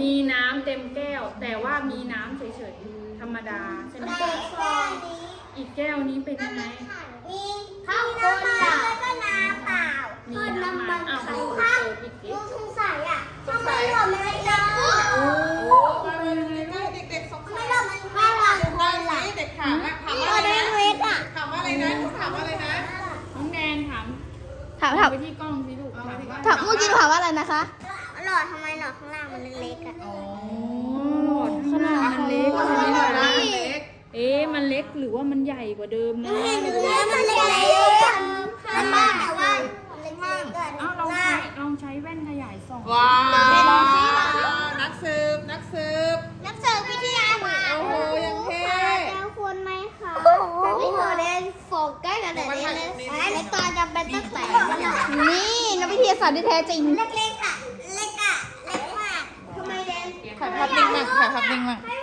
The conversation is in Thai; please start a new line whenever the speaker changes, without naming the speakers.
มีน้ำเต็มแก้ว แต่ว่ามีน้ำเฉยๆธรรมดาใช่ไหมอีกแก้วนี้เป็นยังไง
มีข้าวคนแล้วก็น้ำเปล่ามีน้ำมันใส่ข้าวลูกสงสัยอ่ะทำไมหล่อมันเยอะ
โอ้
เด็กๆสงสั
ไม่
ย
หล่อมันแค่หลังคนล่ะ
เด็กถามว่าถามว่าอะไรนะถามว่าอะไรนะถามว่าอะไรนะ
น้องแดนถาม
ถาม
ไปที่กล้องสิลูกถามว่า
เมื่อกี้ถามว่าอะไรนะคะ
หล่อทำไมหล่อข้างล่างมันเล็กๆอ่ะ
อ๋อ
หลอดข้างล่างมันเล็ก
ใช่
ใช่
ไห
ไห
ม
ม
คะ
คะ
เล็ก
มันเล็กหรือว่ามันใหญ่กว่าเดิมนะ
เห็นดูแล้วมันเล็กๆมันมากแต่ว่าเล็กๆกัน
ลองใช้แว่นขยายส่อง
ว้าวนักสืบ
นักเสิร์ฟวิทยาศาสตร์
โอ้โหยังเท่
แล้วควรไหมคะไม่เคยเล่นโฟกัสกันแต่เล่นในตอนจะเป็นตั้งแต่
นี่นักวิทยาศาสตร์ที่แท้จริง
เล็กๆอ่ะเล็กมากทำไมเล่น
ถ่ายภาพนิ่งมากถ่ายภาพนิ่งมาก
ให้